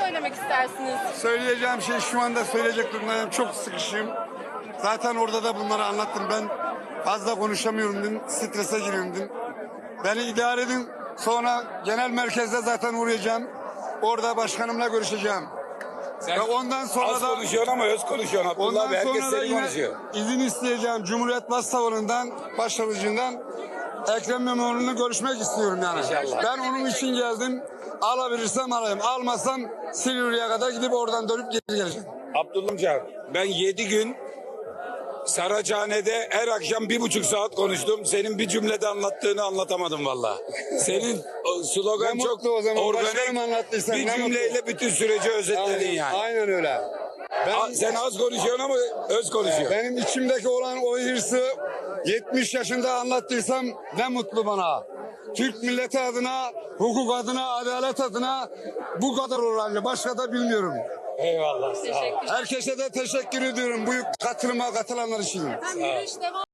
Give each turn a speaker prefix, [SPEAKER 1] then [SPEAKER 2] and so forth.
[SPEAKER 1] söylemek istersiniz?
[SPEAKER 2] Söyleyeceğim şey şu anda söyleyecek durumdayım. Çok sıkışım. Zaten orada da bunları anlattım. Ben fazla konuşamıyorum dedim. Strese giriyorum dedim. Beni idare edin. Sonra genel merkezde zaten uğrayacağım. Orada başkanımla görüşeceğim.
[SPEAKER 3] Sen
[SPEAKER 2] Ve ondan sonra
[SPEAKER 3] az
[SPEAKER 2] da
[SPEAKER 3] konuşuyorsun ama öz konuşuyorsun Abdullah
[SPEAKER 2] ondan
[SPEAKER 3] Bey. Herkes
[SPEAKER 2] sonra da
[SPEAKER 3] seni
[SPEAKER 2] yine
[SPEAKER 3] konuşuyor.
[SPEAKER 2] izin isteyeceğim. Cumhuriyet Başsavcılığından, Başsavcılığından Ekrem İmamoğlu'nu görüşmek istiyorum yani.
[SPEAKER 3] İnşallah.
[SPEAKER 2] Ben onun için geldim. Alabilirsem alayım. Almazsam Silivri'ye kadar gidip oradan dönüp geri geleceğim.
[SPEAKER 3] Abdullah amca ben 7 gün Saraçhane'de her akşam 1,5 saat konuştum. Senin bir cümlede anlattığını anlatamadım valla. Senin slogan
[SPEAKER 2] Ne
[SPEAKER 3] çok
[SPEAKER 2] mutlu o zaman. Başkanım
[SPEAKER 3] organik.
[SPEAKER 2] anlattıysan
[SPEAKER 3] Bir
[SPEAKER 2] ne
[SPEAKER 3] cümleyle bütün süreci özetledin yani.
[SPEAKER 2] Aynen öyle.
[SPEAKER 3] Sen az konuşuyorsun ama öz konuşuyorsun.
[SPEAKER 2] Benim içimdeki olan o hırsı 70 yaşında anlattıysam ne mutlu bana. Türk milleti adına, hukuk adına, adalet adına bu kadar oranlı. Başka da bilmiyorum.
[SPEAKER 3] Eyvallah. Sağ ol.
[SPEAKER 1] Teşekkür.
[SPEAKER 2] Herkese de teşekkür ediyorum bu katılıma katılanlar için.
[SPEAKER 1] Hem yürüyüş devam.